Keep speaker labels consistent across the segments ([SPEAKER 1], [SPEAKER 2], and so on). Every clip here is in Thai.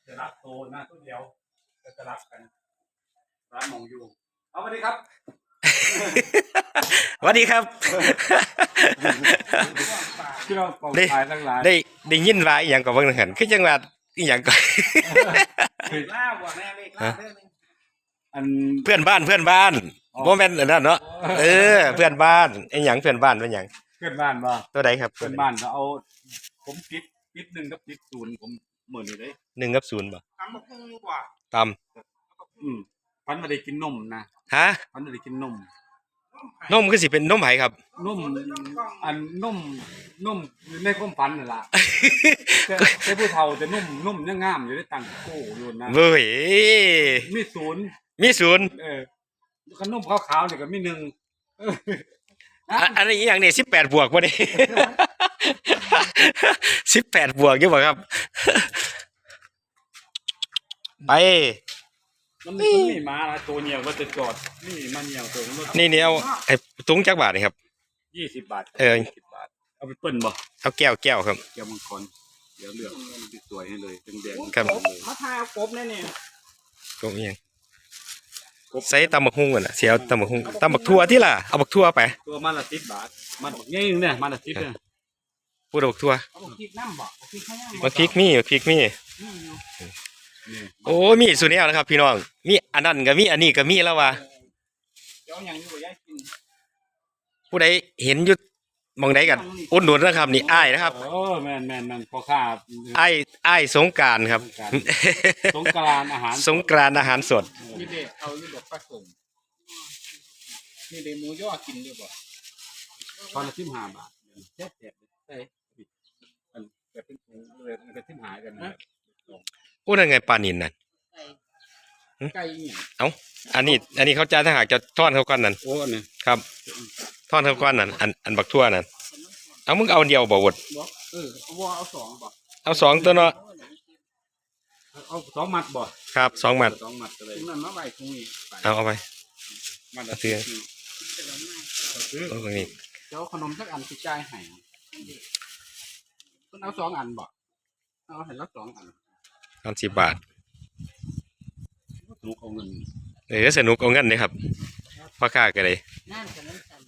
[SPEAKER 1] จะรับโตหน้าตัวเดียวจะรับกันร้านมองอยู่เอาสวัสดีครับ
[SPEAKER 2] สวัสดีครับ
[SPEAKER 1] ที่เราปอง
[SPEAKER 2] ได้
[SPEAKER 1] ขายทั้งหลาย
[SPEAKER 2] ได้ยินว่าอีหยังก็เบิ่งหันคือจังว่าอีหยังก็
[SPEAKER 3] ล่าว่ะแม่เลขล่าเรื่องนึง
[SPEAKER 1] อัน
[SPEAKER 2] เพื่อนบ้านบ่แม่นอันนั้นเนาะเพื่อนบ้านไอ้หยังเพื่อนบ้านเป็นหยัง
[SPEAKER 1] เพื่อนบ้านบ่
[SPEAKER 2] ตัวใดครับ
[SPEAKER 1] เพื่อนบ้านเขาเอาผมปิดหนึ่งกับปิดศูนย์ผมเหมือนอยู่เลย
[SPEAKER 2] 1 กับ 0บ่
[SPEAKER 3] ทำมาพุ่งกว่า
[SPEAKER 2] ตาม
[SPEAKER 1] พันมาได้กินนมนะ
[SPEAKER 2] ฮะ
[SPEAKER 1] พันมาได้กินนม
[SPEAKER 2] นมคือสิเป็นนมไผครับ
[SPEAKER 1] นมอันนมอยู่ในความฝันนั่นล่ะ แต่ผู้เฒ่าแต่นุ่มยังงามอยู่ได้ตังโก้อยู่นะ
[SPEAKER 2] เว้ย
[SPEAKER 1] มีศูนย์
[SPEAKER 2] มี0
[SPEAKER 1] ขนมขาวๆเนี่ยก็มีหนึ่ง
[SPEAKER 2] อันนี้อีหยังนี่18บวกบ่นี่ 18บวกอยู่บ่ครับ ไป
[SPEAKER 1] มันมีหมาละตัวเหนียวก็จะจอดนี่มันเหนียวตัวมัน
[SPEAKER 2] นี่เอาไอ้ถุงจักบาทนี่ครับ
[SPEAKER 1] 20 บาท
[SPEAKER 2] 20
[SPEAKER 1] บาทเอาไปเปิ้ลบ่
[SPEAKER 2] เอาแก้วครับ
[SPEAKER 1] แก้วมังกรเดี๋ยวเลือกสวยให้เลยแดงๆ
[SPEAKER 2] ครับ
[SPEAKER 3] มาทายเอากบแน่เนี่ย
[SPEAKER 2] ก็อีหยังใส่ตำบักหุ่งก่อนน่ะสิเอาตำบักหุ่งตำบักทั่วที่ล่ะเอาบักทั่วไป
[SPEAKER 1] ตัวมันละ10 บาทมันบักใหญ่เนี่ยมันละ10เนี่ย
[SPEAKER 2] พูดเอาบักทั่ว
[SPEAKER 3] เอาพริกน้ำบอกพริกข้างล่าง
[SPEAKER 2] บักพริกมี
[SPEAKER 1] นี่
[SPEAKER 2] โอ้ยมีสุดแนวนะครับ พี่น้องมีอันนั้นก็มีอันนี้ก็มีแล้วว่า
[SPEAKER 3] เดี๋ยวยังอยู่ย่ายกิน
[SPEAKER 2] ผู้ใดเห็นอยู่หมองใดกันอุดหนุนนะครับนี่อ้ายนะครับ
[SPEAKER 1] แม่นพ่อค้า
[SPEAKER 2] อ้ายสงกรานต์ครับ
[SPEAKER 1] สงกรานต์อาหาร
[SPEAKER 2] สงกรานต์อาหารสด
[SPEAKER 3] มีเด็กเอาอยู่ดอกปลาสมมีเด็กหมูย่อกินด้วยบ่
[SPEAKER 1] ตอนละ15 บาทแซ่บๆได้มันแบบเป็นถุงเลยมันก็15กันนะ
[SPEAKER 2] โอ้นั่นไงปลานินนั่น
[SPEAKER 3] ไก่เนี่ย
[SPEAKER 2] อันนี้เขาจ่ายถ้าหากจะทอดเขาก้อนนั่น
[SPEAKER 1] โอ้อันนี้
[SPEAKER 2] ครับทอดเขาก้อนนั่นอันบักทั่วนั่นเอามึงเอาอันเดียวบ่วด
[SPEAKER 3] บอกว่าเอาสองบอก
[SPEAKER 2] เอา2ตัวเนาะ
[SPEAKER 1] เอา2 มัดบ่
[SPEAKER 2] ครับ2มัด
[SPEAKER 1] 2 มัดเลย
[SPEAKER 3] ถุงนั้นมาใบถุงนี้
[SPEAKER 2] เอาไป
[SPEAKER 1] มัด
[SPEAKER 2] เอาซื้อ
[SPEAKER 1] ซื้อ
[SPEAKER 2] เอาตรงนี้
[SPEAKER 3] เดี๋ยวขนมสักอันสิจ่ายให้คุณเอาสองอันบอกเอาเห็นแล้ว2 อัน
[SPEAKER 2] 30 บาท
[SPEAKER 1] ลูกเอาเงิน
[SPEAKER 2] สนุกเอาเงินเลยครับพ่อค้าก็เลย
[SPEAKER 3] นั่นขนมสัน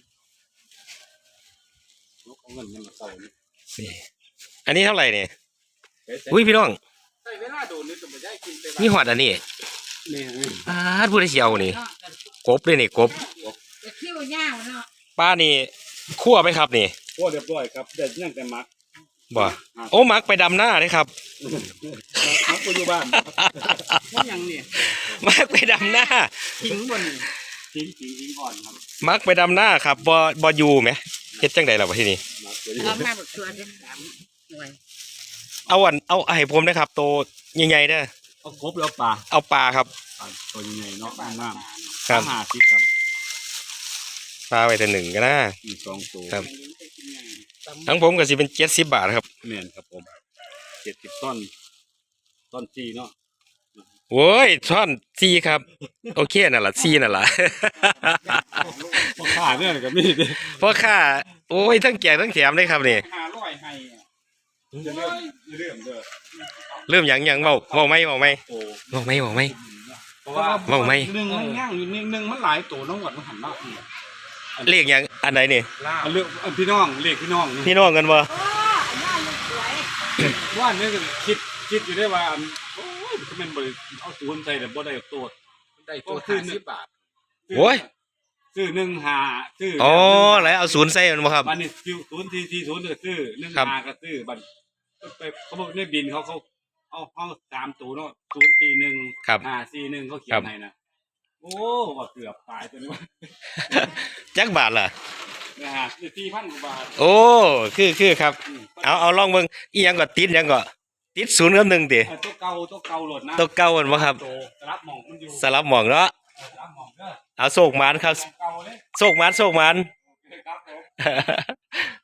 [SPEAKER 1] ลูกเอาเงินยังมาใส่นี่
[SPEAKER 2] นี่อันนี้เท่าไหร่เนี่ยอุ้ยพี่น้อง
[SPEAKER 3] ใส่เวลาโดนนี่จะไม่ได้กินไป
[SPEAKER 2] มีหอดอันนี้
[SPEAKER 1] นี่
[SPEAKER 2] พูดได้เชียวนี่กบเลยนี่กบ
[SPEAKER 3] จะคิ้วยาวเนาะ
[SPEAKER 2] ป้านี่คั่วไหมครับนี่
[SPEAKER 1] โอ้เรียบร้อยครับแต่ยังแต่มัก
[SPEAKER 2] บ่โอ้มักไปดำหน้าเลยครับ
[SPEAKER 1] มักอยู่บ้าน
[SPEAKER 3] ว่ายังเนี่ย
[SPEAKER 2] มักไปดำหน้า
[SPEAKER 3] ทิ้งบนนี่
[SPEAKER 1] ทิ้งก่อนครับ
[SPEAKER 2] มักไปดำหน้าครับบ่อยู่ไหมเฮ็ดจังไดล่ะวะที่นี่
[SPEAKER 1] มักตัวนี้
[SPEAKER 3] เอามาบักชัวร์เป็น3 หน่วย
[SPEAKER 2] เอาให้ผมนะครับโตใหญ่ๆเด้อ
[SPEAKER 1] เอาครบแล้วปลา
[SPEAKER 2] เอาปลาครับ
[SPEAKER 1] ตัวใหญ่เนาะน้ำ
[SPEAKER 2] ครับ
[SPEAKER 1] 50ครับ
[SPEAKER 2] ปลาไว้แต่1ก็นะ
[SPEAKER 1] อีก2ตัว
[SPEAKER 2] ครับ ทั้งผมก็สิเป็น70 บาทครับ
[SPEAKER 1] แม่นครับผม70 ต้น4เนาะ
[SPEAKER 2] โว้ยท่อน4ครับโอเคนั่นล่ะ4นั่นล่ะ
[SPEAKER 1] พ่อค้าเนี่ยก็มีดิ
[SPEAKER 2] พ่อค้าโอ้ยทั้งแจกทั้งแถมเลยครับนี่
[SPEAKER 3] 500ให้อะ
[SPEAKER 1] จะเริ่มเด้อ
[SPEAKER 2] เริ่มหยังเว้าไหม
[SPEAKER 1] โอ้
[SPEAKER 2] เว้าไหม
[SPEAKER 1] เพราะว่า
[SPEAKER 2] เว้าไหม
[SPEAKER 3] หนึ่งมันย่างอยู่หนึ่งมันหลายตัวน้องหวัดมันหันมา
[SPEAKER 2] เลขหยังอันไหนนี่
[SPEAKER 1] อันเรื่องพี่น้องเรียกพี่น้อง
[SPEAKER 2] พี่น้องกันบ่
[SPEAKER 1] ว่าเนี่ยคิดอยู่ได้ว่าโอ้ยมันบ่เอาศูนย์ใส่แต่บ่ได้ตัว
[SPEAKER 3] ได้ตัว50 บาท
[SPEAKER 2] โอ้ย
[SPEAKER 1] ซื้อ1 5ซื้อ
[SPEAKER 2] อ๋อแล้วเอา0ใส่มันบ่ครับ
[SPEAKER 1] บัดนี้0 4 4 0ก็ซื้อ1
[SPEAKER 2] ครับ
[SPEAKER 1] 5ก็ซื้อบัดไปเขาบอกในบินเขาเอา3ตัวเนาะ0 4 1
[SPEAKER 2] ครับ
[SPEAKER 1] 5 4 1เขาเขียนให้นะโอ้ว่าเกือบตายตัวนี้ว่า
[SPEAKER 2] จักบาทล่ะ
[SPEAKER 1] นะฮะ4,000 กว่าบาท
[SPEAKER 2] โอ้คือครับเอาลองเบิ่งอีหยังก็ติดหยังก็ติด0กับ1ติ
[SPEAKER 1] ตัวเก่าโหลดนะ
[SPEAKER 2] ตัวเก่ามันบ่ครับ
[SPEAKER 1] ตัวรับหมองมันอยู่
[SPEAKER 2] สลับหม่องเนาะ
[SPEAKER 1] รับหมองเด้อ
[SPEAKER 2] เอาโศกหมานครับ
[SPEAKER 1] เก่าเลย
[SPEAKER 2] โศกหมาน
[SPEAKER 1] ครับผม